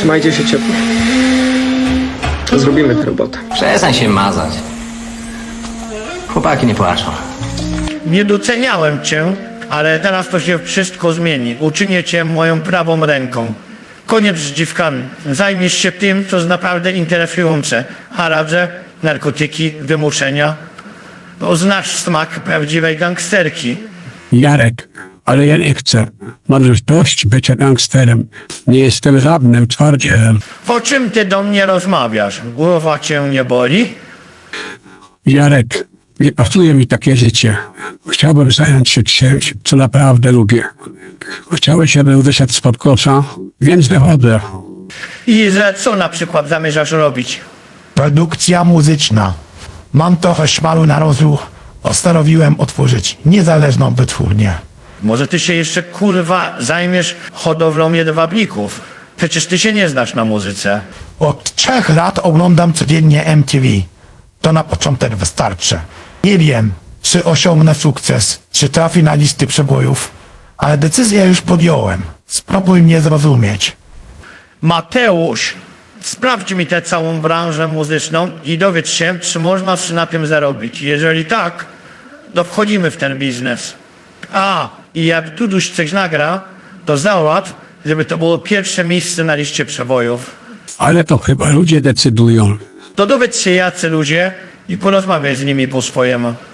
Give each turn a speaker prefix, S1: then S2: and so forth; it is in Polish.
S1: Trzymajcie się ciepło. Zrobimy tę robotę.
S2: Przestań się mazać. Chłopaki nie płaczą.
S3: Nie doceniałem cię, ale teraz to się wszystko zmieni. Uczynię cię moją prawą ręką. Koniec z dziwkami. Zajmiesz się tym, co jest naprawdę interesujące. Haradże, narkotyki, wymuszenia. Bo znasz smak prawdziwej gangsterki.
S4: Jarek, ale ja nie chcę. Mam już dość bycia gangsterem. Nie jestem żadnym twardzielem.
S3: O czym ty do mnie rozmawiasz? Głowa cię nie boli?
S4: Jarek, nie pasuje mi takie życie. Chciałbym zająć się czymś, co naprawdę lubię. Chciałeś, żebym wyszedł spod kosza, więc wychodzę.
S3: I że co na przykład zamierzasz robić?
S5: Produkcja muzyczna. Mam trochę szmalu na rozruch. Postanowiłem otworzyć niezależną wytwórnię.
S3: Może ty się jeszcze kurwa zajmiesz hodowlą jedwabników? Przecież ty się nie znasz na muzyce.
S5: Od 3 lat oglądam codziennie MTV. To na początek wystarczy. Nie wiem, czy osiągnę sukces, czy trafi na listy przebojów, ale decyzję już podjąłem. Spróbuj mnie zrozumieć.
S3: Mateusz, sprawdź mi tę całą branżę muzyczną i dowiedz się, czy można na tym zarobić. Jeżeli tak, to wchodzimy w ten biznes. A, i jak Duduś coś nagra, to załatw, żeby to było pierwsze miejsce na liście przebojów.
S4: Ale to chyba ludzie decydują.
S3: To dowiedz się jacy ludzie i porozmawiaj z nimi po swojemu.